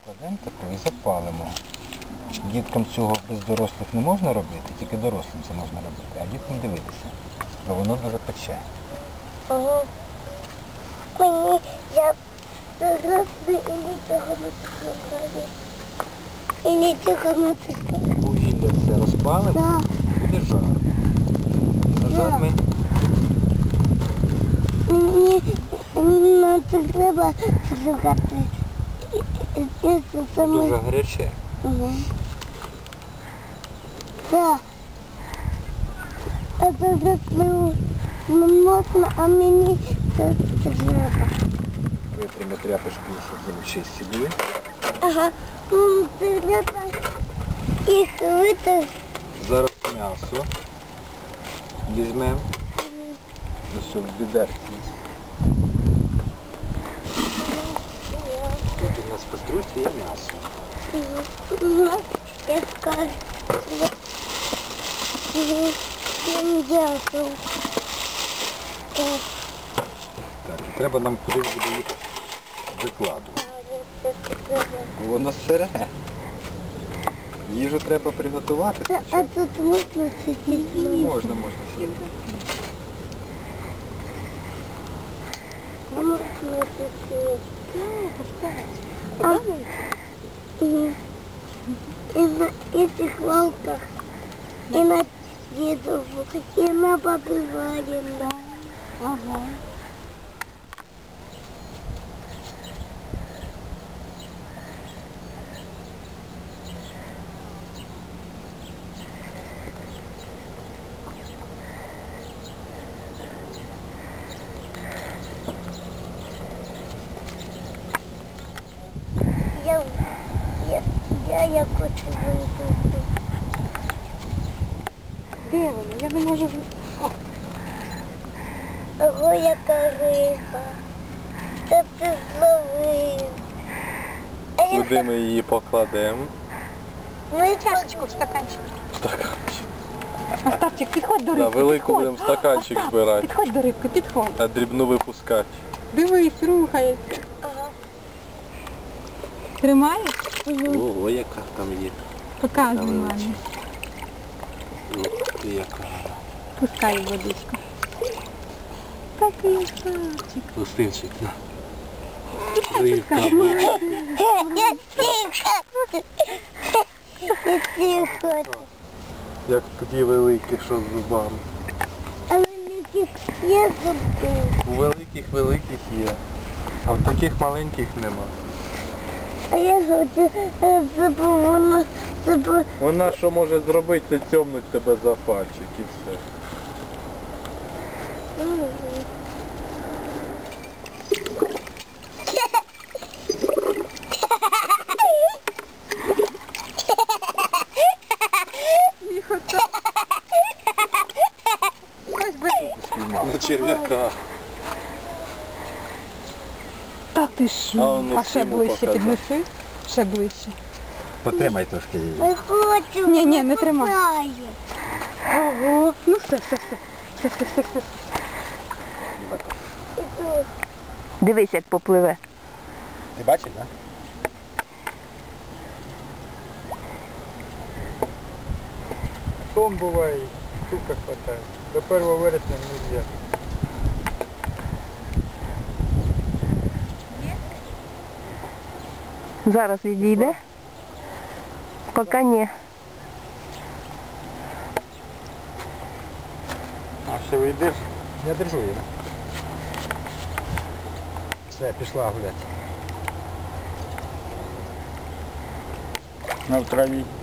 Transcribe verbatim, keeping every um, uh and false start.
Кладемо таку і запалимо. Діткам цього без дорослих не можна робити, тільки дорослим це можна робити, а діткам дивитися. Бо воно дуже пече. Ага. Мені я дорослий і нічого не складаю. І нічого не складаю. Вугілля все розпалимо, Так. буде жар. За жар ми Мені на це треба шукати. Це саме. дуже гаряче. Угу. Так. А це зробив не можна, а мені це треба. Витримо тряпочку, щоб вони чисті були. Ага. М, це треба їх витерти. Зараз м'ясо візьмемо. Ось в відерці. Тут у нас в кастрюльці є м'ясо. Угу. Я скажу. Угу. Дякую. Так. Так, і треба нам кудись буде їх викладувати. Бо воно сире. Їжу треба приготувати. А тут можна сидіти? Можна, можна сидіти. Можна сидіти. А, угу. І на этих лавках, і на дідову, і на бабі Варіна. Ага. Я, я, я, я хочу вийти. Де воно? Я не можу. Ого, яка риба. Та ти зловив. А я Куди ми її покладемо? Ми Чашечку в стаканчик. Стаканчик. Остапчик, підходь до Да, рибки. велику підходь. будемо стаканчик Остап, збирати. Підходь до рибки, підходь. А дрібну випускати. Дивись, рухається. Ага. Тримаєш? Ого, яка там є. Показуй мамі. Ух ти, яка. Пускай в водичку. Такий Остапчик. Пустинчик, на. Пускай. Я тихо. Я тихо. Як тоді великі, що з зубами. А великих я забув. У великих великих є, а в таких маленьких нема. А я хочу забув, воно забув. Вона що може зробити, це тьомнуть тебе за пальчик і все. На черв'яка. Та ти А що? воно А ще всьому ближче показати. піднеси. Ще ближче. Потримай трошки її. Не хочу. Ні, ні, не тримай. Попадає. Ого. Ну все, все, все. Все, все, все, все. Іду. Дивись, як попливе. Ти бачиш, так? Том буває, штука хватає. До першого вересня не можна. Зараз відійде. Поки ні. А ще вийдеш? Я держу її. Все, пішла гуляти. На в траві.